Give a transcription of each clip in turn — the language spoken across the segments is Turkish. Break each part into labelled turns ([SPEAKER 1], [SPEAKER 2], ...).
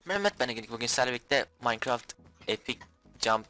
[SPEAKER 1] Mehmet ben Egelik, bugün sizlerle birlikte Minecraft Epic Jump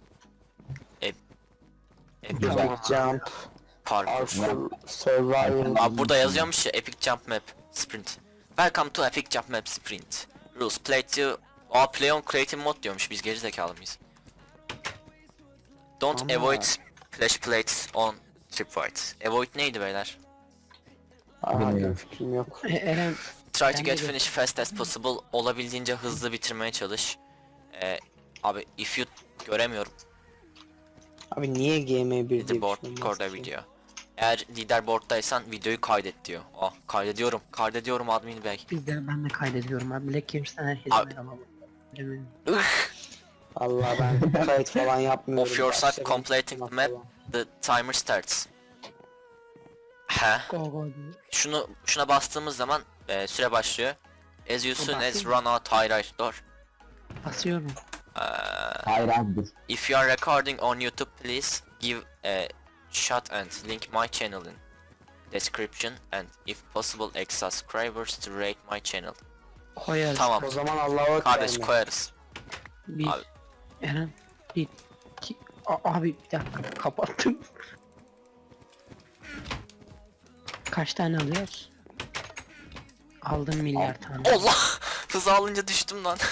[SPEAKER 1] Epic
[SPEAKER 2] Güzel.
[SPEAKER 3] Jump,
[SPEAKER 1] Parkur.
[SPEAKER 3] Survival.
[SPEAKER 1] Abi burada yazıyormuş ya, Epic Jump Map Sprint. Welcome to Epic Jump Map Sprint. Rules play to play on creative mode diyormuş, biz geri zekalı mıyız? Don't
[SPEAKER 3] Ama-
[SPEAKER 1] avoid splash plates on tripwires. Avoid neydi beyler?
[SPEAKER 3] Hayır, fikrim yok.
[SPEAKER 2] Eren
[SPEAKER 1] Try to
[SPEAKER 2] Ben
[SPEAKER 1] get
[SPEAKER 2] de
[SPEAKER 1] finish fast as possible. Olabildiğince hızlı bitirmeye çalış. Abi if you göremiyorum.
[SPEAKER 3] Abi niye GM1 diye bir şey
[SPEAKER 1] Leaderboard
[SPEAKER 3] olmaz
[SPEAKER 1] record a
[SPEAKER 3] ki?
[SPEAKER 1] video. Eğer leaderboard'daysan videoyu kaydet diyor. Kaydediyorum admin bey.
[SPEAKER 2] ben de kaydediyorum abi. Black Games'ten herkese
[SPEAKER 1] Abi-
[SPEAKER 2] merhaba. Eren'in
[SPEAKER 3] Vallahi ben kayıt falan yapmıyorum.
[SPEAKER 1] Of your side
[SPEAKER 3] Başlarım
[SPEAKER 1] completing the
[SPEAKER 3] falan.
[SPEAKER 1] map, the timer starts. He.
[SPEAKER 2] go go diyor.
[SPEAKER 1] Şuna bastığımız zaman süre başlıyor. As you soon as
[SPEAKER 2] basayım
[SPEAKER 1] run out highlight door.
[SPEAKER 2] Basıyorum.
[SPEAKER 4] Hayır abi dur.
[SPEAKER 1] If you are recording on YouTube, please give a shot and link my channel in description and if possible ex subscribers to rate my channel.
[SPEAKER 2] Koyarız.
[SPEAKER 1] Tamam
[SPEAKER 3] O zaman Allah'a
[SPEAKER 1] kardeş,
[SPEAKER 3] ekber.
[SPEAKER 1] koyarız.
[SPEAKER 2] Bir.
[SPEAKER 1] Abi.
[SPEAKER 2] Eren. Bir. İki. Abi bir dakika kapattım. Kaç tane alıyoruz? Aldım milyar tane.
[SPEAKER 1] Allah! Hız alınca düştüm lan.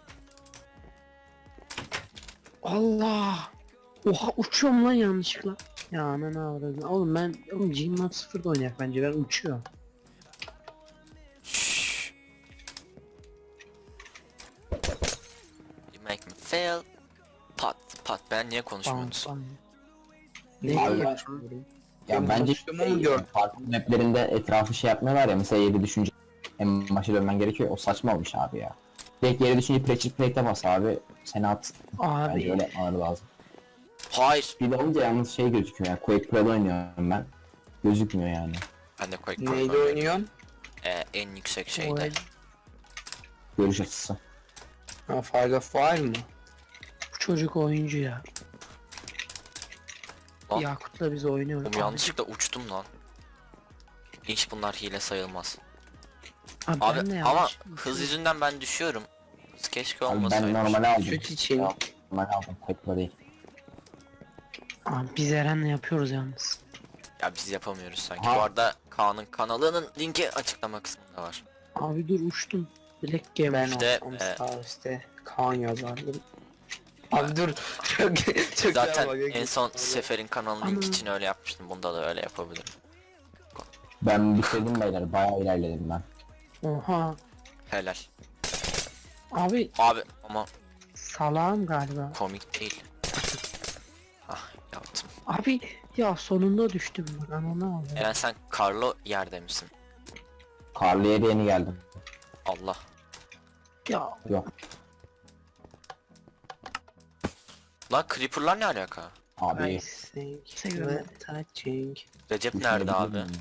[SPEAKER 2] Allah! Oha uçuyorum lan yanlışlıkla. Ya ananı avradım. Oğlum Gmod 0'da oynayak bence, ben uçuyorum.
[SPEAKER 1] Shh. You make me fail. Pat ben niye konuşmuyorsunuz?
[SPEAKER 2] Bam.
[SPEAKER 3] Ne
[SPEAKER 4] Abi-
[SPEAKER 3] yapıyorum?
[SPEAKER 4] Ya
[SPEAKER 3] Benim
[SPEAKER 4] bence
[SPEAKER 3] konuştuğumu mu gördün?
[SPEAKER 4] farklı maplerinde etrafı şey yapmıyorlar ya, mesela yeri düşünce en başa dönmen gerekiyor, o saçma olmuş abi ya. Direkt yere düşünce pressure plate'e bas abi, seni at. Bence
[SPEAKER 2] Abi
[SPEAKER 4] öyle yapmaları lazım.
[SPEAKER 1] Hayır.
[SPEAKER 4] Bir de olunca yalnız şey gözüküyor ya, Quake Pro'da oynuyorum ben. Gözükmüyor yani.
[SPEAKER 1] Ben de Quake
[SPEAKER 3] Neydi
[SPEAKER 1] Pro'da
[SPEAKER 3] oynuyorsun?
[SPEAKER 1] en yüksek
[SPEAKER 2] o
[SPEAKER 1] şeyde.
[SPEAKER 4] Görüş açısı.
[SPEAKER 3] Ha, Fire of Fire mı?
[SPEAKER 2] bu çocuk oyuncu ya.
[SPEAKER 1] Lan.
[SPEAKER 2] Yakut'la biz oynuyoruz.
[SPEAKER 1] Oğlum yanlışlıkla uçtum lan. Hiç bunlar hile sayılmaz.
[SPEAKER 2] Abi,
[SPEAKER 1] Abi
[SPEAKER 2] ben de
[SPEAKER 1] ama
[SPEAKER 2] yanlış-
[SPEAKER 1] hız yüzünden ben düşüyorum. Hız keşke
[SPEAKER 4] Abi ben
[SPEAKER 1] olmasaydı.
[SPEAKER 4] normale aldım.
[SPEAKER 3] Süt için.
[SPEAKER 4] Ya, Normal aldım, Quake Pro değil.
[SPEAKER 2] Abi biz Eren'le yapıyoruz yalnız.
[SPEAKER 1] Ya biz yapamıyoruz sanki.
[SPEAKER 4] Ha.
[SPEAKER 1] Bu arada Kaan'ın kanalının linki açıklama kısmında var.
[SPEAKER 2] Abi dur uçtum. Black Game.
[SPEAKER 3] Ben
[SPEAKER 1] İşte,
[SPEAKER 3] olsam sağ üstte Kaan yazardım. Abi dur. Çok
[SPEAKER 1] Zaten
[SPEAKER 3] güzel bak,
[SPEAKER 1] en son Sefer'in kanalının linki
[SPEAKER 2] Ana.
[SPEAKER 1] için öyle yapmıştım. Bunda da öyle yapabilirim.
[SPEAKER 4] Ben bitirdim beyler, bayağı ilerledim ben.
[SPEAKER 2] Oha.
[SPEAKER 1] Helal.
[SPEAKER 2] Abi
[SPEAKER 1] Abi ama
[SPEAKER 2] salağım galiba.
[SPEAKER 1] komik değil. Ah yaptım.
[SPEAKER 2] Abi ya sonunda düştüm bak, ananı aldım.
[SPEAKER 1] Eren sen karlı yerde misin?
[SPEAKER 4] Karlı yere yeni geldim.
[SPEAKER 1] Allah.
[SPEAKER 2] Ya
[SPEAKER 4] Yok
[SPEAKER 1] Lan Creeper'lar ne alaka?
[SPEAKER 4] abi.
[SPEAKER 3] I think we're touching.
[SPEAKER 1] Recep
[SPEAKER 4] düşmeyi
[SPEAKER 1] nerede abi?
[SPEAKER 4] bilmiyorum.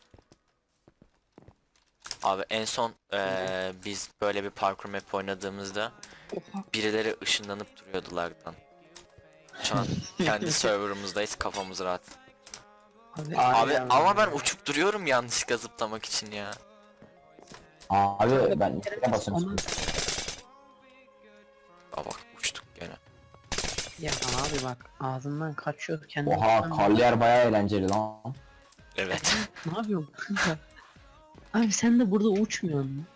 [SPEAKER 1] Abi en son biz böyle bir parkur map oynadığımızda
[SPEAKER 2] oha.
[SPEAKER 1] birileri ışınlanıp duruyordu lag'dan. Şu an kendi serverımızdayız, kafamız rahat.
[SPEAKER 2] Abi,
[SPEAKER 1] Abi
[SPEAKER 3] Aynen.
[SPEAKER 1] ama ben uçup duruyorum yanlışlıkla zıplamak için ya.
[SPEAKER 4] Abi ben ne basıyorum?
[SPEAKER 2] Ona-
[SPEAKER 1] Aa bak uçtuk gene.
[SPEAKER 2] Ya abi bak ağzından kaçıyor kendi.
[SPEAKER 4] Oha, karlı yer bayağı eğlenceli lan.
[SPEAKER 1] Evet.
[SPEAKER 2] Ne yapıyorsun? Abi sen de burada uçmuyorsun mu?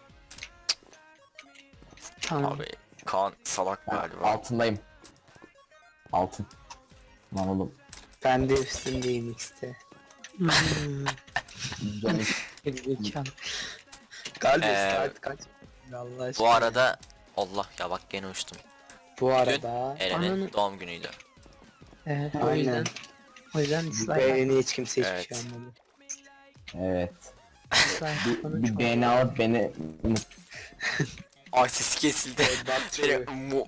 [SPEAKER 2] Tamam.
[SPEAKER 1] Abi Kaan salak
[SPEAKER 4] Ben
[SPEAKER 1] galiba.
[SPEAKER 4] altındayım. Altın. Lan oğlum.
[SPEAKER 3] Ben de üstündeyim X'te.
[SPEAKER 2] Hmm,
[SPEAKER 4] Canım.
[SPEAKER 2] gerizekalı.
[SPEAKER 3] Galiba
[SPEAKER 1] Ee,
[SPEAKER 3] saat kaç? Allah aşkına.
[SPEAKER 1] Bu arada Allah ya bak gene uçtum.
[SPEAKER 3] Bu arada
[SPEAKER 1] Eren'in
[SPEAKER 2] Ananı-
[SPEAKER 1] doğum günüydü.
[SPEAKER 2] Evet,
[SPEAKER 3] Aynen.
[SPEAKER 2] o yüzden
[SPEAKER 3] bu
[SPEAKER 2] dislike
[SPEAKER 3] beğeni hiç kimse hiçbir
[SPEAKER 1] Evet.
[SPEAKER 3] şey anlamadı.
[SPEAKER 4] Evet.
[SPEAKER 2] dislike bana
[SPEAKER 4] Bir
[SPEAKER 2] çok-
[SPEAKER 4] beğeni alıp beni
[SPEAKER 1] Ay sesi kesildi.
[SPEAKER 3] Batıyor.
[SPEAKER 1] Mu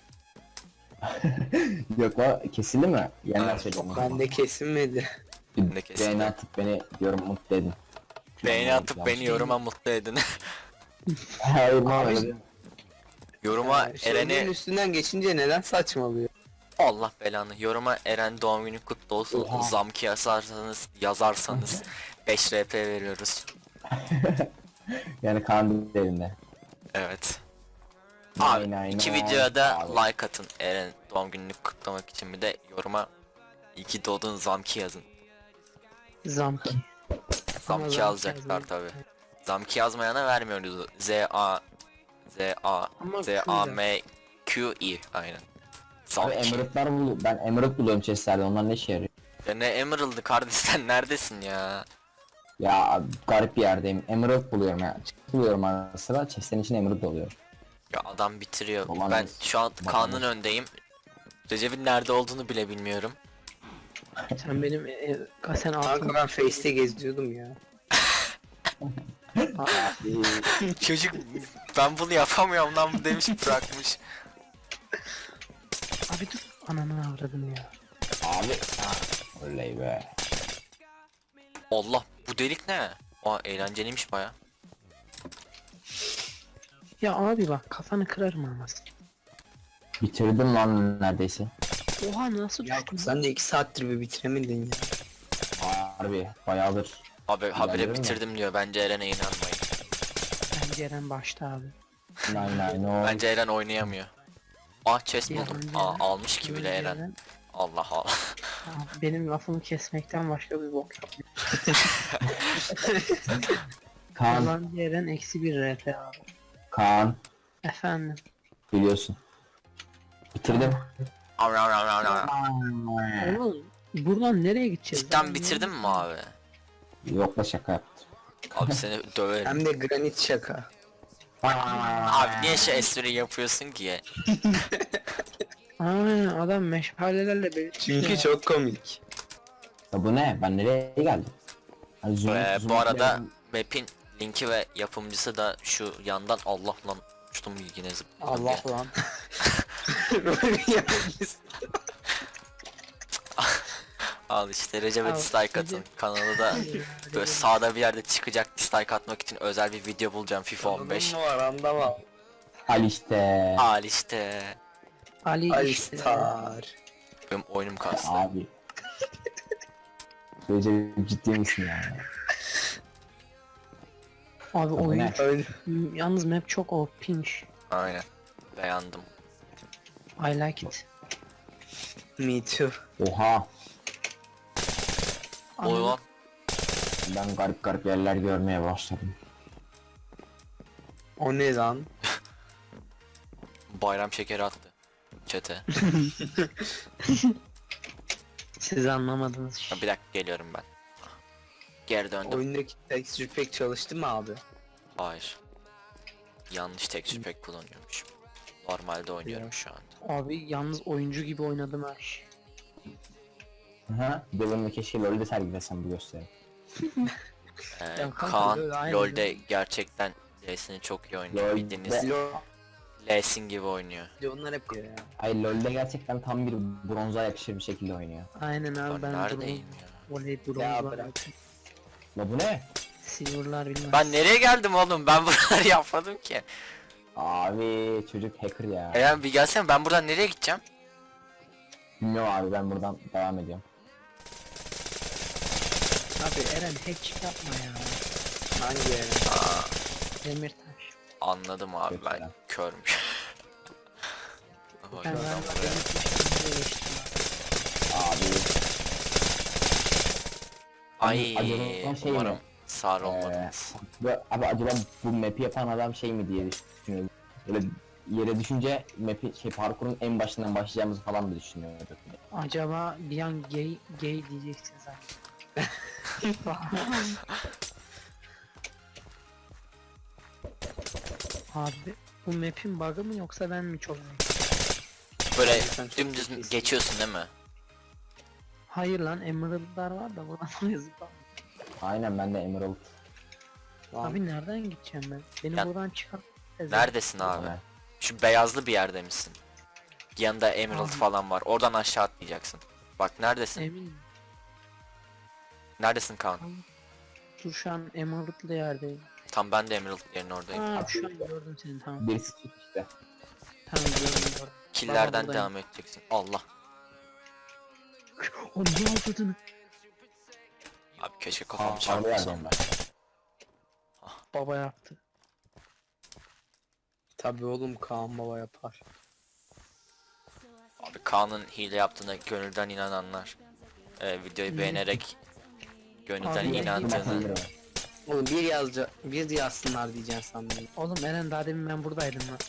[SPEAKER 4] yok o kesildi mi? Yeniden
[SPEAKER 1] Evet.
[SPEAKER 4] söyleyeyim.
[SPEAKER 3] Ben de kesilmedi.
[SPEAKER 1] Ben de
[SPEAKER 4] Bir
[SPEAKER 1] kesildi.
[SPEAKER 4] beğeni atıp beni diyorum mutlu edin.
[SPEAKER 1] Beğeni atıp beni yoruma mutlu edin.
[SPEAKER 4] Hayır ne öyle.
[SPEAKER 1] Yoruma
[SPEAKER 3] Şeylerin
[SPEAKER 1] Eren'i
[SPEAKER 3] üstünden geçince neden saçmalıyor?
[SPEAKER 1] Allah belanı. Yoruma Eren doğum günü kutlu olsun.
[SPEAKER 4] Oha.
[SPEAKER 1] Zamki yazarsanız 5 RP veriyoruz.
[SPEAKER 4] Yani kan elinde.
[SPEAKER 1] Evet. Abi
[SPEAKER 4] Nine,
[SPEAKER 1] iki
[SPEAKER 4] nine,
[SPEAKER 1] videoya da
[SPEAKER 4] abi.
[SPEAKER 1] like atın. Eren doğum gününü kutlamak için bir de yoruma iyi ki doğdun Zamki yazın.
[SPEAKER 2] Zamki. Ama
[SPEAKER 1] Zamki
[SPEAKER 2] Zamki
[SPEAKER 1] alacaklar
[SPEAKER 2] yazmayı-
[SPEAKER 1] tabi. Zamki yazmayana vermiyoruz.
[SPEAKER 2] Ama
[SPEAKER 1] Z-A-M-Q-I aynen.
[SPEAKER 4] Abi
[SPEAKER 1] Zamki.
[SPEAKER 4] ben Emerald buluyorum chestlerde, onlar ne işe yarıyor?
[SPEAKER 1] Ya ne Emerald'ı kardeş, sen neredesin ya?
[SPEAKER 4] Ya abi, garip bir yerdeyim. Emerald buluyorum ya. Buluyorum ara sıra. Chest'lerin içine Emerald oluyor.
[SPEAKER 1] Ya adam bitiriyor.
[SPEAKER 4] Babanız.
[SPEAKER 1] Ben şu an Kaan'ın
[SPEAKER 4] Babanız.
[SPEAKER 1] öndeyim. Recep'in nerede olduğunu bile bilmiyorum.
[SPEAKER 2] Sen benim sen
[SPEAKER 3] Kanka
[SPEAKER 2] altın.
[SPEAKER 3] ben Face'te geziyordum ya.
[SPEAKER 1] Çocuk ben bunu yapamıyorum lan bu demiş bırakmış.
[SPEAKER 2] Abi dur. Ananı avradım ya.
[SPEAKER 4] Abi. Oley be.
[SPEAKER 1] Allah bu delik ne? Aa eğlenceliymiş baya.
[SPEAKER 2] Ya abi bak kafanı kırarım ama.
[SPEAKER 4] Bitirdim lan neredeyse.
[SPEAKER 2] Oha nasıl
[SPEAKER 3] Ya
[SPEAKER 2] düştün?
[SPEAKER 3] sen de 2 saattir bir bitiremedin ya.
[SPEAKER 4] Harbi bayağıdır.
[SPEAKER 1] Abi habire
[SPEAKER 4] İlerledin mi?
[SPEAKER 1] bitirdim diyor. Bence Eren'e inanmayın.
[SPEAKER 2] Bence Eren başta abi.
[SPEAKER 4] Nine no.
[SPEAKER 1] Bence Eren oynayamıyor. Ah chest
[SPEAKER 2] Ya
[SPEAKER 1] buldum.
[SPEAKER 2] bence
[SPEAKER 1] Aa
[SPEAKER 2] Eren-
[SPEAKER 1] almış ki bile
[SPEAKER 2] Bence
[SPEAKER 1] Eren. Allah Allah.
[SPEAKER 2] Abi, benim lafımı kesmekten başka bir bok yapmıyor.
[SPEAKER 4] Kaan,
[SPEAKER 2] Bence Eren eksi bir RP abi.
[SPEAKER 4] Kaan
[SPEAKER 2] Efendim.
[SPEAKER 4] biliyorsun. Bitirdim.
[SPEAKER 2] Oğlum buradan nereye gideceğiz?
[SPEAKER 1] Cidden bitirdin mi abi?
[SPEAKER 4] Yok da şaka yaptım.
[SPEAKER 1] Abi seni döverim.
[SPEAKER 3] Hem de granit şaka.
[SPEAKER 1] Abi niye şu espri yapıyorsun ki?
[SPEAKER 2] Aa, adam meşalelerle beni
[SPEAKER 3] Çünkü çok komik.
[SPEAKER 4] Ya bu ne? Ben nereye geldim? Hani
[SPEAKER 1] Bu arada map'in linki ve yapımcısı da şu yandan Allah lan uçtum yine zıpladım
[SPEAKER 3] Allah
[SPEAKER 1] ya.
[SPEAKER 3] lan. Böyle yapacağız.
[SPEAKER 1] Al işte Recep'e
[SPEAKER 2] Al,
[SPEAKER 1] dislike atın.
[SPEAKER 2] Recep.
[SPEAKER 1] Kanalı da böyle sağda bir yerde çıkacak, dislike atmak için özel bir video bulacağım FIFA 15.
[SPEAKER 3] Anladın mı var anlama.
[SPEAKER 4] Al işte.
[SPEAKER 1] Al işte.
[SPEAKER 2] Ali işte.
[SPEAKER 3] Alistar.
[SPEAKER 1] Benim oyunum kastı.
[SPEAKER 4] Abi. Recep ciddi misin yani?
[SPEAKER 2] Abi
[SPEAKER 4] Bu
[SPEAKER 2] oyun
[SPEAKER 4] ne?
[SPEAKER 3] Öyle.
[SPEAKER 2] yalnız map çok OP'miş.
[SPEAKER 1] Aynen. Beğendim.
[SPEAKER 2] I like it.
[SPEAKER 3] Me too.
[SPEAKER 4] Oha.
[SPEAKER 1] Oy lan.
[SPEAKER 4] Ben garip garip yerler görmeye başladım.
[SPEAKER 3] O ne lan?
[SPEAKER 1] Bayram şekeri attı. Çete.
[SPEAKER 2] Siz anlamadınız.
[SPEAKER 1] Bir dakika geliyorum ben. Geri döndüm.
[SPEAKER 3] Oyundaki texture pack çalıştı mı abi?
[SPEAKER 1] Hayır. Yanlış texture pack kullanıyormuşum. Normalde oynuyorum şu an.
[SPEAKER 2] Abi yalnız oyuncu gibi oynadım her şey.
[SPEAKER 4] Hı. Devamlı keşke LoL'de sergilesem bu gösteri.
[SPEAKER 2] Ya kanka,
[SPEAKER 1] Kaan
[SPEAKER 2] LoL aynı
[SPEAKER 1] LoL'de gerçekten L'sini çok iyi oynuyor.
[SPEAKER 4] LoL
[SPEAKER 1] Bildiğiniz
[SPEAKER 3] Lo
[SPEAKER 1] L'sin gibi oynuyor.
[SPEAKER 3] onlar hep ya.
[SPEAKER 4] Hayır LoL'de gerçekten tam bir bronza yakışır bir şekilde oynuyor.
[SPEAKER 2] Aynen abi
[SPEAKER 1] Ben
[SPEAKER 2] ben
[SPEAKER 1] neredeyim ya?
[SPEAKER 2] Voley
[SPEAKER 3] Ya
[SPEAKER 2] bronzlar.
[SPEAKER 3] bırak.
[SPEAKER 4] La bu ne?
[SPEAKER 2] Silver'lar bilmem.
[SPEAKER 1] Ben nereye geldim oğlum? Ben buraları yapmadım ki.
[SPEAKER 4] Abi çocuk hacker ya.
[SPEAKER 1] Eren bir gelsene, ben buradan nereye gideceğim?
[SPEAKER 4] Bilmiyorum abi, ben buradan devam ediyorum.
[SPEAKER 2] Abi Eren hack yapma ya.
[SPEAKER 3] Hangi yani?
[SPEAKER 2] Demirtaş.
[SPEAKER 1] Anladım abi,
[SPEAKER 4] Kötü
[SPEAKER 1] ben
[SPEAKER 4] ya.
[SPEAKER 1] körüm. Hoş
[SPEAKER 2] Ben
[SPEAKER 1] adam
[SPEAKER 2] galiba
[SPEAKER 1] buraya.
[SPEAKER 2] Demirtaş'tan geçtim.
[SPEAKER 4] Abi
[SPEAKER 1] Ay
[SPEAKER 4] acaba şey
[SPEAKER 1] umarım
[SPEAKER 4] mi?
[SPEAKER 1] sağır olmadınız.
[SPEAKER 4] Abi acaba bu map'i yapan adam şey mi diye düşünüyorum. Böyle yere düşünce map'i parkurun en başından başlayacağımızı falan mı düşünüyorduk?
[SPEAKER 2] Acaba bir an gay diyeceksin zaten. Abi bu map'in bug'ı mı yoksa ben mi çok
[SPEAKER 1] Böyle
[SPEAKER 3] Sen çok
[SPEAKER 1] dümdüz
[SPEAKER 3] zekisin.
[SPEAKER 1] geçiyorsun değil mi?
[SPEAKER 2] Hayır lan Emerald'lar var da buradan oraya zıplam.
[SPEAKER 4] Aynen, ben de Emerald.
[SPEAKER 3] Lan.
[SPEAKER 2] Abi nereden gideceğim ben? Beni
[SPEAKER 1] Ya-
[SPEAKER 2] buradan çıkar.
[SPEAKER 1] Neredesin abi?
[SPEAKER 4] Yani.
[SPEAKER 1] Şu beyazlı bir yerde misin? Yanında Emerald
[SPEAKER 2] Abi.
[SPEAKER 1] falan var. Oradan aşağı atlayacaksın. Bak neredesin?
[SPEAKER 2] Eminim.
[SPEAKER 1] Neredesin Kaan?
[SPEAKER 2] Dur şu an Emerald'lı yerdeyim.
[SPEAKER 1] Tam ben de Emerald yerinin oradayım.
[SPEAKER 2] Aa şu an gördüm seni tamam.
[SPEAKER 4] Birisi tut işte.
[SPEAKER 2] Tamam gördüm.
[SPEAKER 1] Killerden
[SPEAKER 2] buradayım.
[SPEAKER 1] devam edeceksin. Allah.
[SPEAKER 2] O ne yaptığını?
[SPEAKER 1] Abi keşke kafamı
[SPEAKER 4] Harbi
[SPEAKER 1] çarpmasam.
[SPEAKER 4] yerdeyim ben.
[SPEAKER 2] Baba yaptı.
[SPEAKER 3] Tabii oğlum Kaan baba yapar.
[SPEAKER 1] Abi Kaan'ın hile yaptığına gönülden inananlar, videoyu beğenerek gönülden
[SPEAKER 2] Abi,
[SPEAKER 1] inandığını.
[SPEAKER 3] Oğlum bir yazsınlar diyeceksin sandım.
[SPEAKER 2] Oğlum Eren daha demin ben buradaydım lan.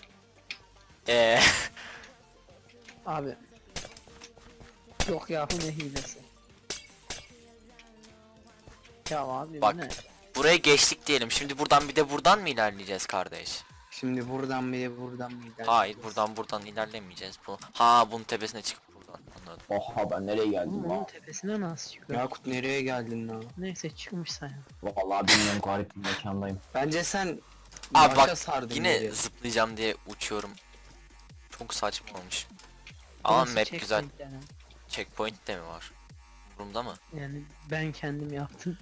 [SPEAKER 2] Abi. Yok ya bu ne hilesi. Ya abi
[SPEAKER 1] Bak.
[SPEAKER 2] bu ne?
[SPEAKER 1] Buraya geçtik diyelim. Şimdi buradan bir de buradan mı ilerleyeceğiz kardeş?
[SPEAKER 3] Şimdi buradan bir de buradan bir de.
[SPEAKER 1] Hayır, buradan ilerlemeyeceğiz. Bunun tepesine çıkıp buradan. Anladım.
[SPEAKER 4] Oha ben nereye geldim
[SPEAKER 2] Oğlum onun
[SPEAKER 4] lan?
[SPEAKER 2] tepesine nasıl çıkıyor?
[SPEAKER 3] Yakut nereye geldin lan?
[SPEAKER 2] Neyse çıkmış sayın.
[SPEAKER 4] Vallahi bilmiyorum, garip bir mekandayım.
[SPEAKER 3] Bence sen
[SPEAKER 1] Abi
[SPEAKER 3] başa
[SPEAKER 1] bak,
[SPEAKER 3] sardın
[SPEAKER 1] yine
[SPEAKER 3] nereye?
[SPEAKER 1] zıplayacağım diye uçuyorum. Çok saçma olmuş. Ama
[SPEAKER 2] Burası
[SPEAKER 1] map güzel.
[SPEAKER 2] checkpoint yani.
[SPEAKER 1] Checkpoint de mi var? Burumda mı?
[SPEAKER 2] Yani ben kendim yaptım.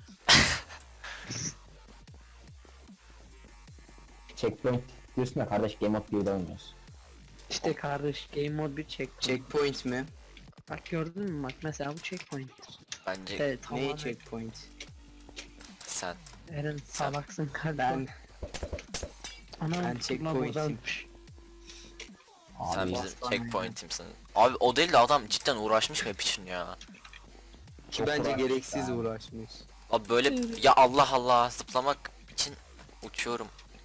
[SPEAKER 4] Checkpoint diyorsun ya kardeş, Game of Thrones'da oynuyoruz.
[SPEAKER 2] İşte kardeş game mode bir checkpoint.
[SPEAKER 3] Checkpoint mi?
[SPEAKER 2] Bak gördün mü bak mesela bu checkpoint.
[SPEAKER 1] Bence
[SPEAKER 2] Evet
[SPEAKER 3] Neyi
[SPEAKER 2] tamam.
[SPEAKER 3] checkpoint?
[SPEAKER 1] sen.
[SPEAKER 2] Eren salaksın kardeş.
[SPEAKER 3] Ben
[SPEAKER 2] Anam
[SPEAKER 3] ben
[SPEAKER 2] ulan
[SPEAKER 3] checkpoint'im.
[SPEAKER 2] buradaymış.
[SPEAKER 1] Sen
[SPEAKER 4] Abi
[SPEAKER 1] bizim
[SPEAKER 3] aslan
[SPEAKER 1] checkpoint'imsin. Abi o değil de adam cidden uğraşmış map için ya.
[SPEAKER 3] Ki
[SPEAKER 4] Çok
[SPEAKER 3] bence
[SPEAKER 4] uğraşmış
[SPEAKER 3] gereksiz
[SPEAKER 4] ya.
[SPEAKER 3] uğraşmış.
[SPEAKER 1] Abi böyle ya Allah Allah zıplamak için uçuyorum.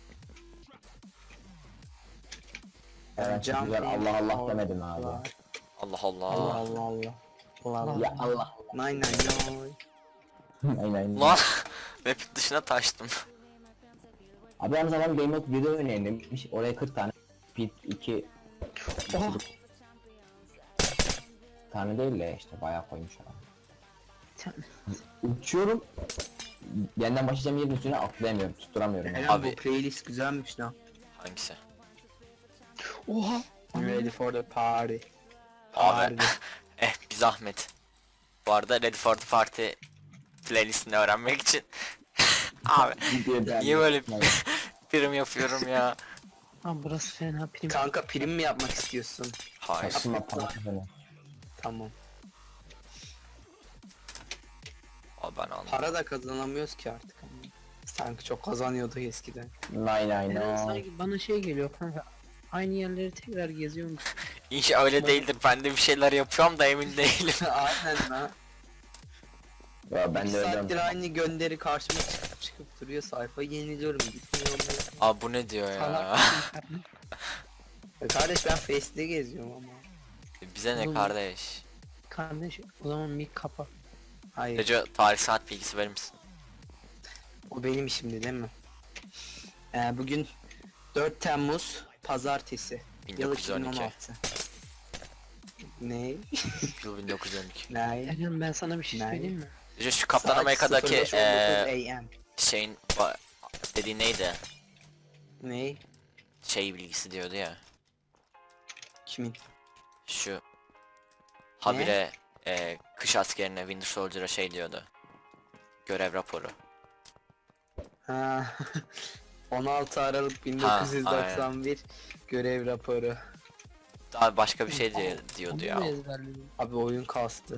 [SPEAKER 4] Evet, çok güzel, Allah Allah demedim abi.
[SPEAKER 1] Allah
[SPEAKER 3] Allah
[SPEAKER 1] Allah.
[SPEAKER 3] Allah Allah. Allah Allah.
[SPEAKER 4] Ya Allah.
[SPEAKER 3] Nine nine nine.
[SPEAKER 4] Aynen.
[SPEAKER 1] Lan map'in dışına taştım.
[SPEAKER 4] Abi aynı zaman Game of Thrones'da oynayayım demiş. Oraya 40 tane. Pit 2
[SPEAKER 2] Oh.
[SPEAKER 4] tane değil de işte bayağı koymuş adam.
[SPEAKER 2] Sen-
[SPEAKER 4] Uçuyorum. Yeniden başlayacağım yerin üstüne atlayamıyorum, tutturamıyorum.
[SPEAKER 3] Eren
[SPEAKER 1] Abi-
[SPEAKER 3] bu playlist güzelmiş lan.
[SPEAKER 1] Hangisi?
[SPEAKER 2] Oha.
[SPEAKER 3] Ready for the party.
[SPEAKER 1] Abi bir zahmet. Bu arada Ready for the Party playlistini öğrenmek için. Abi niye böyle prim yapıyorum ya?
[SPEAKER 2] Abi burası fena prim.
[SPEAKER 3] Kanka prim mi yapmak istiyorsun?
[SPEAKER 1] Hayır.
[SPEAKER 4] Saçma falan.
[SPEAKER 3] Tamam.
[SPEAKER 1] Abi ben anladım.
[SPEAKER 3] Para da kazanamıyoruz ki artık. Sanki çok kazanıyorduk eskiden.
[SPEAKER 4] Nine
[SPEAKER 2] Eren
[SPEAKER 4] nine.
[SPEAKER 2] sanki bana şey geliyor kanka. Aynı yerleri tekrar geziyormuş.
[SPEAKER 1] İnşallah öyle değildir. Ben de bir şeyler yapıyorum da emin değilim.
[SPEAKER 3] Aynen lan.
[SPEAKER 4] Ya ben
[SPEAKER 3] Bir
[SPEAKER 4] de öyle.
[SPEAKER 3] saattir aynı gönderi karşıma çıkıp duruyor, sayfayı yeniliyorum, gitmiyor mu?
[SPEAKER 1] Abi bu ne diyor ya?
[SPEAKER 2] Salaksın kardeş.
[SPEAKER 3] Kardeş ben Face'de geziyorum ama.
[SPEAKER 1] Bize ne
[SPEAKER 2] Oğlum.
[SPEAKER 1] kardeş?
[SPEAKER 2] Kardeş o zaman mic kapa.
[SPEAKER 3] Hayır,
[SPEAKER 1] Gece tarih saat bilgisi verir misin?
[SPEAKER 3] o benim işimdi değil mi? Bugün 4 Temmuz Pazartesi. Yıl
[SPEAKER 1] 1912.
[SPEAKER 3] 2016. Ne?
[SPEAKER 1] Yıl 1912.
[SPEAKER 3] Ne?
[SPEAKER 2] Eren ben sana bir şey
[SPEAKER 3] Ne?
[SPEAKER 2] söyleyeyim mi?
[SPEAKER 1] Gece şu Kaptan
[SPEAKER 3] Saat
[SPEAKER 1] Amerika'daki
[SPEAKER 3] 05:19 AM.
[SPEAKER 1] şeyin dediği neydi?
[SPEAKER 3] Ne?
[SPEAKER 1] Şey bilgisi diyordu ya.
[SPEAKER 3] Kimin?
[SPEAKER 1] Şu habire kış askerine Winter Soldier'a şey diyordu. Görev raporu.
[SPEAKER 3] Ha. 16 Aralık 1991 görev raporu.
[SPEAKER 1] Daha başka bir şey diyordu
[SPEAKER 2] Onu
[SPEAKER 1] ya.
[SPEAKER 2] mu ezberledin?
[SPEAKER 3] Abi oyun kastı.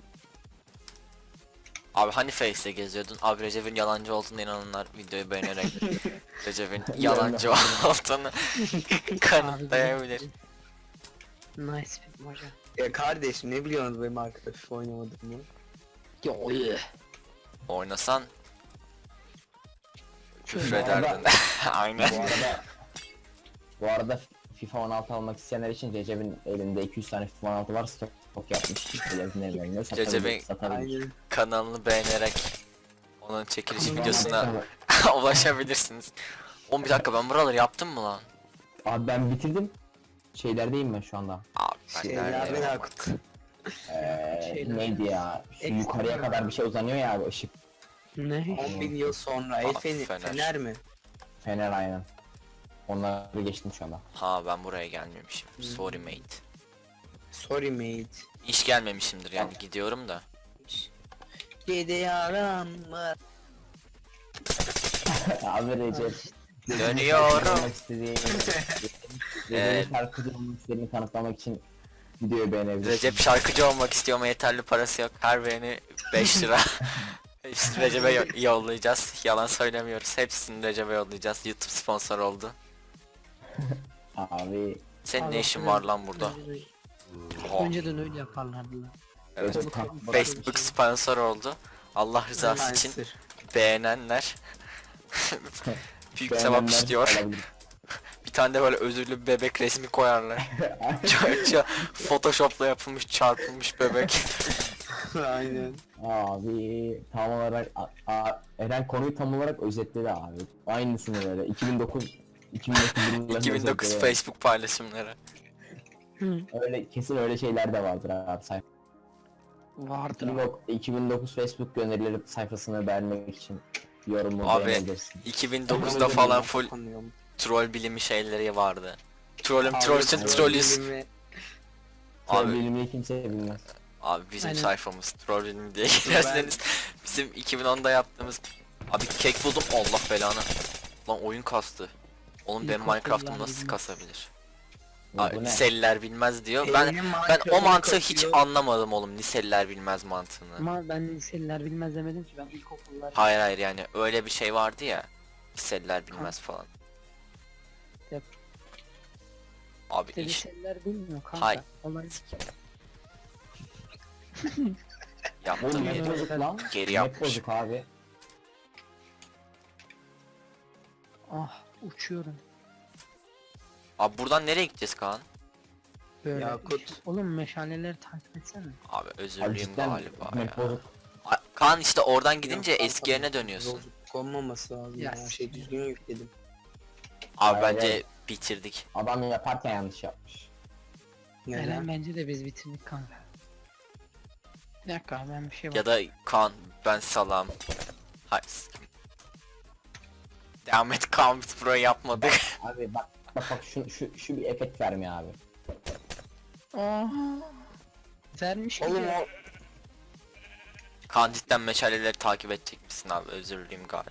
[SPEAKER 1] Abi hani Face'te geziyordun? Abi Recep'in yalancı olduğunu inananlar videoyu beğenerek Recep'in yalancı olduğunu kanıtlayabilir.
[SPEAKER 2] Nice film hocam.
[SPEAKER 3] Ya kardeşim ne biliyorsunuz benim arkadaş oynamadığımı?
[SPEAKER 1] Oynasan küfür
[SPEAKER 4] Bu arada-
[SPEAKER 1] ederdin. Aynen.
[SPEAKER 4] Bu arada FIFA 16 almak isteyenler için Recep'in elinde 200 tane FIFA 16 var, stok yapmış.
[SPEAKER 1] Recep'in-
[SPEAKER 3] Aynen.
[SPEAKER 1] Kanalını beğenerek onun çekiliş
[SPEAKER 2] Kanalını
[SPEAKER 1] videosuna ulaşabilirsiniz. 11 dakika ben buraları yaptım mı lan?
[SPEAKER 4] Abi ben bitirdim. Şeylerdeyim ben şu anda.
[SPEAKER 1] Abi ben
[SPEAKER 3] Şeylerden
[SPEAKER 1] neredeyim?
[SPEAKER 3] Akut.
[SPEAKER 2] Şeyler.
[SPEAKER 4] Neydi ya? Şu
[SPEAKER 2] Ekstra.
[SPEAKER 4] yukarıya kadar bir şey uzanıyor ya abi, ışık.
[SPEAKER 2] Ne?
[SPEAKER 3] 10.000 yıl sonra el
[SPEAKER 1] Fener.
[SPEAKER 3] fener mi?
[SPEAKER 4] Fener aynen. Onları geçtim şu anda.
[SPEAKER 1] Ha ben buraya gelmemişim. Sorry mate.
[SPEAKER 3] Sorry mate.
[SPEAKER 1] İş gelmemişimdir yani gidiyorum da.
[SPEAKER 3] Gidiyorum.
[SPEAKER 4] Abi Recep.
[SPEAKER 1] Dönüyorum.
[SPEAKER 4] Olmak istediği- Recep'in şarkıcı olmak istediğini kanıtlamak için videoyu beğenebilirsin.
[SPEAKER 1] Recep şarkıcı olmak istiyor ama yeterli parası yok. Her beğeni 5 lira. İşte Recep'e yollayacağız. Yalan söylemiyoruz. Hepsini Recep'e yollayacağız. YouTube sponsor oldu.
[SPEAKER 4] Abi.
[SPEAKER 1] Senin ne
[SPEAKER 2] Abi,
[SPEAKER 1] işin var lan burada? Oha.
[SPEAKER 2] Önceden öyle yaparlardı lan.
[SPEAKER 1] Evet.
[SPEAKER 4] Recep
[SPEAKER 1] Facebook sponsor oldu. Allah rızası için
[SPEAKER 3] Spencer.
[SPEAKER 1] beğenenler büyük sevap istiyor. Bir tane de böyle özürlü bir bebek resmi koyarlar. Photoshop'la yapılmış çarpılmış bebek.
[SPEAKER 3] Aynen.
[SPEAKER 4] Abi tam olarak Eren konuyu tam olarak özetledi abi. Aynısını böyle 2009 yıllarında
[SPEAKER 1] 2009
[SPEAKER 4] özetledi.
[SPEAKER 1] Facebook paylaşımları.
[SPEAKER 2] Hı.
[SPEAKER 4] Öyle kesin öyle şeyler de vardır abi sayfa.
[SPEAKER 2] Vardır abi.
[SPEAKER 4] 2009 Facebook gönderileri sayfasını beğenmek için yorumu
[SPEAKER 1] Abi,
[SPEAKER 4] beğenebilirsin.
[SPEAKER 1] 2009'da falan full troll bilimi şeyleri vardı. Trollüm trollsün
[SPEAKER 4] evet.
[SPEAKER 1] trollüz.
[SPEAKER 4] Abi
[SPEAKER 1] Abi,
[SPEAKER 4] bilimi kimse bilmez.
[SPEAKER 1] abi bizim
[SPEAKER 2] Aynen.
[SPEAKER 1] sayfamız troll bilimi diye girerseniz bizim 2010'da yaptığımız abi kek buldum Allah belanı. Lan oyun kastı. Oğlum benim
[SPEAKER 2] İlkokullar
[SPEAKER 1] Minecraft'ım nasıl
[SPEAKER 2] bilmez.
[SPEAKER 1] kasabilir?
[SPEAKER 4] Bu
[SPEAKER 1] Abi,
[SPEAKER 4] ne?
[SPEAKER 1] liseliler bilmez diyor. Ben o mantığı hiç anlamadım oğlum. Liseliler bilmez mantığını.
[SPEAKER 2] Ama ben liseliler bilmez demedim ki, ben ilkokullar.
[SPEAKER 1] Hayır hayır yani öyle bir şey vardı ya. Liseliler bilmez falan.
[SPEAKER 2] Yap.
[SPEAKER 1] Abi
[SPEAKER 2] İşte
[SPEAKER 1] iş
[SPEAKER 2] liseliler bilmiyor kanka.
[SPEAKER 1] Hay.
[SPEAKER 2] Olay.
[SPEAKER 1] yaptım
[SPEAKER 4] Oğlum net
[SPEAKER 1] geri,
[SPEAKER 4] bozuk lan.
[SPEAKER 1] geri
[SPEAKER 4] Net
[SPEAKER 1] yapmış.
[SPEAKER 4] bozuk abi.
[SPEAKER 2] Ah, uçuyorum.
[SPEAKER 1] Abi buradan nereye gideceğiz Kaan?
[SPEAKER 2] Böyle.
[SPEAKER 3] Yakut.
[SPEAKER 2] Oğlum meşaleleri takip etsene.
[SPEAKER 1] Abi
[SPEAKER 4] Abi
[SPEAKER 1] özürlüyüm
[SPEAKER 4] cidden
[SPEAKER 1] galiba
[SPEAKER 4] net
[SPEAKER 1] ya.
[SPEAKER 4] bozuk.
[SPEAKER 1] Kaan işte oradan gidince eski yerine dönüyorsun.
[SPEAKER 3] Bozuk konmaması lazım
[SPEAKER 2] Ya,
[SPEAKER 3] ya. Şey düzgün yükledim.
[SPEAKER 1] Abi
[SPEAKER 4] Hayır,
[SPEAKER 1] bence
[SPEAKER 4] hayır.
[SPEAKER 1] bitirdik.
[SPEAKER 4] Adam yaparken yanlış yapmış.
[SPEAKER 2] Eren
[SPEAKER 3] Neden?
[SPEAKER 2] bence de biz bitirdik kanka. Bir dakika, ben bir şey
[SPEAKER 1] Ya da Kaan ben salam. Hayır. Devam et Kaan biz burayı yapmadık.
[SPEAKER 4] Abi bak şu bir efekt vermiyor abi.
[SPEAKER 2] Oha. Vermiş gibi.
[SPEAKER 3] Oğlum o
[SPEAKER 1] Kaan cidden meşaleleri takip edecek misin abi? Özürlüyüm galiba.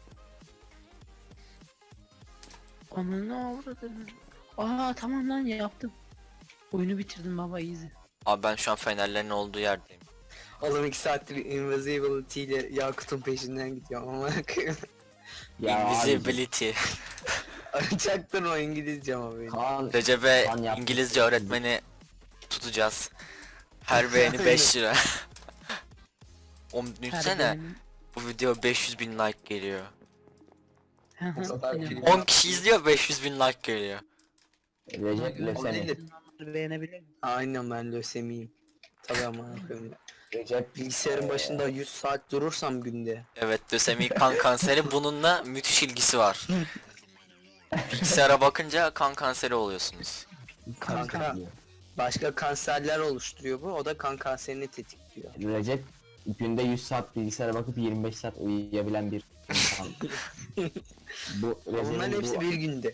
[SPEAKER 2] Onun ne avradını. Aa tamam lan, yaptım. Oyunu bitirdim baba, easy.
[SPEAKER 1] Abi ben şu an fenerlerin olduğu yerdeyim.
[SPEAKER 3] oğlum 2 saattir invisibility ile Yakut'un peşinden gidiyorum ama
[SPEAKER 4] Ya abi,
[SPEAKER 1] Invisibility.
[SPEAKER 3] Çaktın o İngilizce ama benim.
[SPEAKER 4] Kaan
[SPEAKER 1] Recep'e
[SPEAKER 4] Kaan yaptı.
[SPEAKER 1] İngilizce öğretmeni tutacağız. Her beğeni 5 lira. Oğlum düşünsene bu video 500 bin like geliyor.
[SPEAKER 3] O kadar film-
[SPEAKER 1] 10 kişi izliyor 500 bin like geliyor.
[SPEAKER 4] Recep
[SPEAKER 3] O
[SPEAKER 4] lösemi.
[SPEAKER 3] değil de-
[SPEAKER 2] Beğenebilir mi?
[SPEAKER 3] Aynen ben lösemiyim. Tabii ama yapıyorum.
[SPEAKER 4] Recep
[SPEAKER 3] Bilgisayarın başında 100 saat durursam günde.
[SPEAKER 1] Evet lösemi kan kanseri bununla müthiş ilgisi var. Bilgisayara bakınca kan kanseri oluyorsunuz.
[SPEAKER 3] Kanka. Başka kanserler oluşturuyor bu. O da kan kanserini tetikliyor.
[SPEAKER 4] Recep günde 100 saat bilgisayara bakıp 25 saat uyuyabilen bir insan.
[SPEAKER 3] Bunların
[SPEAKER 4] Recep'in
[SPEAKER 3] hepsi
[SPEAKER 4] bu-
[SPEAKER 3] bir günde.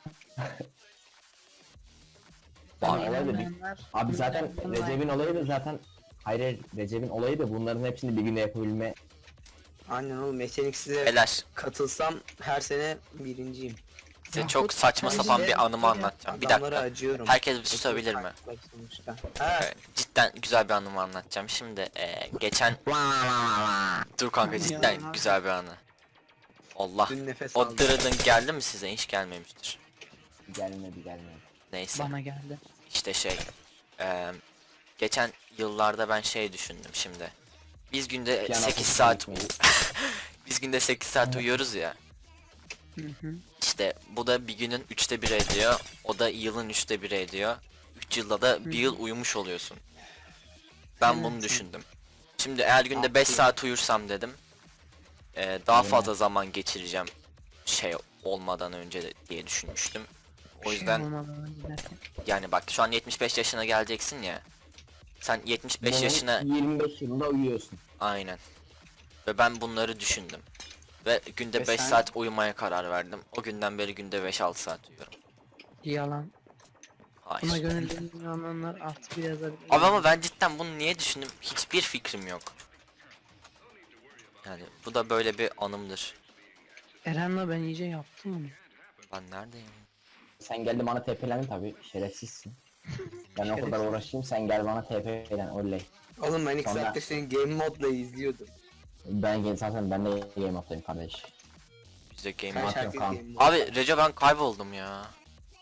[SPEAKER 4] Abi,
[SPEAKER 2] Bana
[SPEAKER 4] olay da bir-
[SPEAKER 2] inanmayanlar-
[SPEAKER 4] Abi zaten
[SPEAKER 2] inanmayanlar-
[SPEAKER 4] Recep'in olayı da zaten hayır Recep'in olayı da bunların hepsini bir günde yapabilme.
[SPEAKER 3] Aynen oğlum, yeteneksize
[SPEAKER 1] Beyler
[SPEAKER 3] katılsam her sene birinciyim.
[SPEAKER 1] size
[SPEAKER 2] Ya,
[SPEAKER 1] çok saçma
[SPEAKER 2] işte-
[SPEAKER 1] sapan bir anımı anlatacağım. Bir
[SPEAKER 3] Adamlara
[SPEAKER 1] dakika.
[SPEAKER 3] acıyorum.
[SPEAKER 1] Herkes bir susabilir mi?
[SPEAKER 3] Sonuçta. Ha,
[SPEAKER 1] Cidden güzel bir anımı anlatacağım. Şimdi geçen... Dur kanka cidden güzel bir anı. Allah.
[SPEAKER 3] dün nefes
[SPEAKER 1] O
[SPEAKER 3] aldım.
[SPEAKER 1] dırıdın geldi mi size? Hiç gelmemiştir.
[SPEAKER 4] Gelmedi.
[SPEAKER 1] Neyse.
[SPEAKER 2] Bana geldi.
[SPEAKER 1] İşte geçen yıllarda ben şey düşündüm şimdi. Biz günde
[SPEAKER 4] Piyano
[SPEAKER 1] 8
[SPEAKER 4] kursuna
[SPEAKER 1] saat
[SPEAKER 4] gitmeyi.
[SPEAKER 1] biz günde 8 saat uyuyoruz ya.
[SPEAKER 2] Hı hı.
[SPEAKER 1] İşte bu da bir günün 1/3 ediyor. O da yılın 1/3 ediyor. 3 yılda da bir yıl uyumuş oluyorsun. Ben bunu düşündüm. Şimdi eğer günde 5 saat uyursam dedim. Daha fazla zaman geçireceğim şey olmadan önce diye düşünmüştüm. O yüzden yani bak şu an 75 yaşına geleceksin ya. Sen 75 yaşına
[SPEAKER 4] 25 yılında uyuyorsun.
[SPEAKER 1] aynen. Ve ben bunları düşündüm. Ve günde
[SPEAKER 3] Ve
[SPEAKER 1] 5
[SPEAKER 3] sen-
[SPEAKER 1] saat uyumaya karar verdim. O günden beri günde 5-6 saat uyuyorum.
[SPEAKER 2] Yalan.
[SPEAKER 1] Hayır.
[SPEAKER 2] Buna gönüllü inananlar artık bir yazabilir.
[SPEAKER 1] Abi ama ben cidden bunu niye düşündüm? Hiçbir fikrim yok. Yani bu da böyle bir anımdır.
[SPEAKER 2] Eren'le ben iyice yaptım onu.
[SPEAKER 1] Ben neredeyim?
[SPEAKER 4] Sen geldi bana TP'lendin tabi şerefsizsin. Ben o kadar uğraşayım sen gel bana TP'len oley.
[SPEAKER 3] Oğlum ben 2
[SPEAKER 4] Sonra-
[SPEAKER 3] saattir senin game modla izliyordum.
[SPEAKER 4] Ben gel zaten ben de game up'tayım kardeş.
[SPEAKER 1] Bizde game
[SPEAKER 3] Kaç
[SPEAKER 1] var.
[SPEAKER 4] Zaten
[SPEAKER 3] herkes
[SPEAKER 4] kan.
[SPEAKER 3] game mod.
[SPEAKER 1] Abi Recep ben kayboldum ya.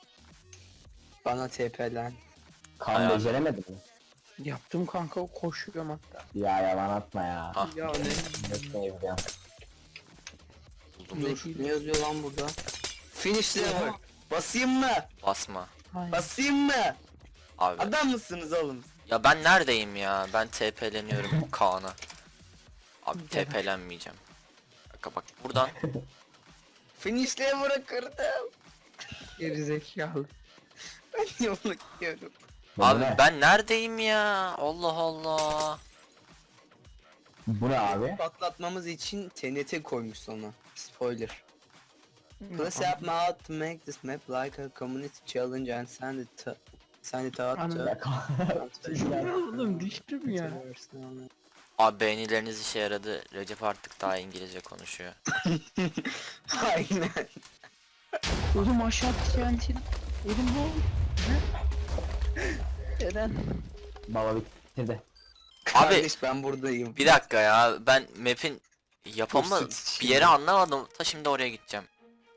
[SPEAKER 3] Bana TP'len.
[SPEAKER 4] Kan
[SPEAKER 1] Ayağım.
[SPEAKER 4] beceremedin mi?
[SPEAKER 2] Yaptım kanka, koşuyorum hatta.
[SPEAKER 4] Ya yalan atma ya.
[SPEAKER 1] Ah.
[SPEAKER 2] Ya
[SPEAKER 4] Nasıl yapacağım?
[SPEAKER 1] Buldum.
[SPEAKER 3] Dur, ne yazıyor lan burada? Finish level. Basayım mı?
[SPEAKER 1] Basma.
[SPEAKER 2] Hayır.
[SPEAKER 3] Basayım mı?
[SPEAKER 1] Abi.
[SPEAKER 3] Adam mısınız oğlum?
[SPEAKER 1] Ya ben neredeyim ya? Ben TP'leniyorum Kaan'a. Abi
[SPEAKER 2] Gel.
[SPEAKER 1] TP'lenmeyeceğim. Bak buradan.
[SPEAKER 3] Finish level'ı kırdım.
[SPEAKER 2] Gerizekalı.
[SPEAKER 3] Ben niye onu gidiyorum?
[SPEAKER 1] Abi
[SPEAKER 4] ne?
[SPEAKER 1] ben neredeyim ya? Allah Allah.
[SPEAKER 4] Bu ne abi?
[SPEAKER 3] Patlatmamız için TNT koymuş sonra. Spoiler. Let's help me out to make this map like a community challenge and send it out to...
[SPEAKER 4] Ya kan-
[SPEAKER 2] Oğlum düştüm ya.
[SPEAKER 1] Abi beğenileriniz işe yaradı. Recep artık daha İngilizce konuşuyor.
[SPEAKER 3] Aynen.
[SPEAKER 2] Oğlum aşağı TNT. Oğlum bu. Ne? Eren.
[SPEAKER 4] Baba bitirdi.
[SPEAKER 3] Kardeş ben buradayım.
[SPEAKER 1] Bir dakika ya, ben map'in yapımı
[SPEAKER 3] Basit
[SPEAKER 1] bir yere anlamadım. Ta şimdi oraya gideceğim.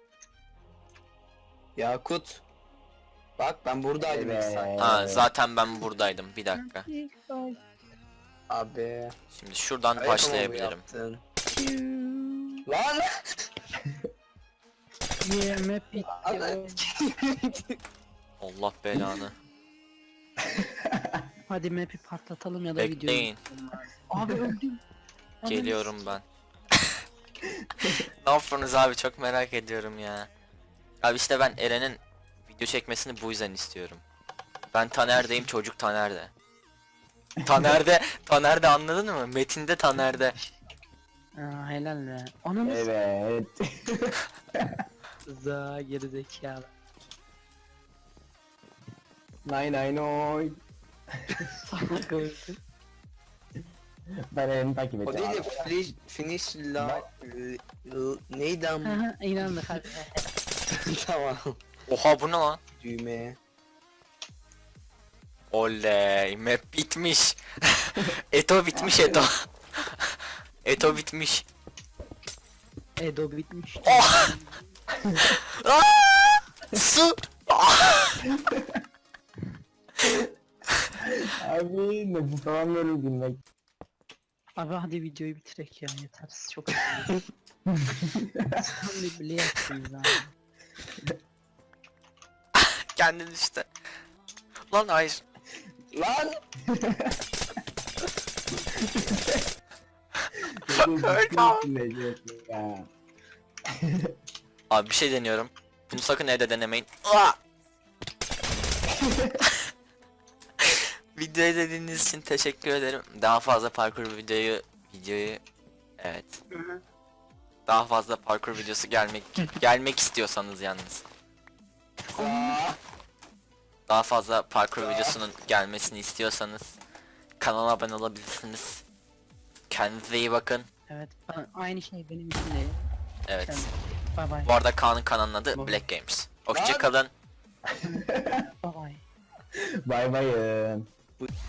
[SPEAKER 3] Yakut. Bak ben buradaydım
[SPEAKER 4] Evet.
[SPEAKER 3] ilk saat.
[SPEAKER 1] Ha zaten ben buradaydım. Bir dakika.
[SPEAKER 3] Abi.
[SPEAKER 1] Şimdi şuradan
[SPEAKER 3] Ayakkabı
[SPEAKER 1] başlayabilirim.
[SPEAKER 3] yaptın. Lan!
[SPEAKER 2] Yeah, map bitti.
[SPEAKER 3] Lan!
[SPEAKER 1] Allah belanı.
[SPEAKER 2] Hadi map'i patlatalım ya da videoyu.
[SPEAKER 1] Bekleyin.
[SPEAKER 2] Abi öldüm. Abi,
[SPEAKER 1] Geliyorum ben. Ne yapıyorsunuz abi, çok merak ediyorum ya. Abi işte ben Eren'in video çekmesini bu yüzden istiyorum. Ben Taner'deyim, çocuk Taner'de. Taner'de anladın mı? Metin'de Taner'de.
[SPEAKER 2] Aa, helal be. Anamız
[SPEAKER 4] Evet.
[SPEAKER 2] za gerizekalı.
[SPEAKER 4] Nine oy.
[SPEAKER 2] Salak öldü.
[SPEAKER 4] Ben elini takip
[SPEAKER 3] O
[SPEAKER 4] edeceğim.
[SPEAKER 3] değil de finish la... Neydi ama?
[SPEAKER 2] Aha, inandık hadi.
[SPEAKER 3] Tamam.
[SPEAKER 1] Oha bu ne lan?
[SPEAKER 3] Düğmeye.
[SPEAKER 1] Oley, map bitmiş. Eto bitmiş Eto. Eto bitmiş.
[SPEAKER 2] Edo bitmiş.
[SPEAKER 1] Oh! Aa! Su!
[SPEAKER 4] Abi nefes alamıyorum gülmek.
[SPEAKER 2] Abi hadi videoyu bitirek ya, yeter çok. Sen bir bile yaptınız abi.
[SPEAKER 1] Kendin işte. Lan hayır.
[SPEAKER 3] Lan!
[SPEAKER 4] Ya.
[SPEAKER 1] Abi bir şey deniyorum. Bunu sakın evde denemeyin. Aa! Videoyu izlediğiniz için teşekkür ederim. Daha fazla parkur videoyu evet. Daha fazla parkur videosu gelmek istiyorsanız yalnız. Daha fazla parkur videosunun gelmesini istiyorsanız kanala abone olabilirsiniz. Kendinize iyi bakın.
[SPEAKER 2] Evet, aynı şey benim için de.
[SPEAKER 1] Evet.
[SPEAKER 2] Bye bye.
[SPEAKER 1] Bu arada Kaan'ın kanalının adı
[SPEAKER 2] Bye.
[SPEAKER 1] Black Games. Hoşçakalın.
[SPEAKER 2] Bye bye.
[SPEAKER 4] Bay bayın.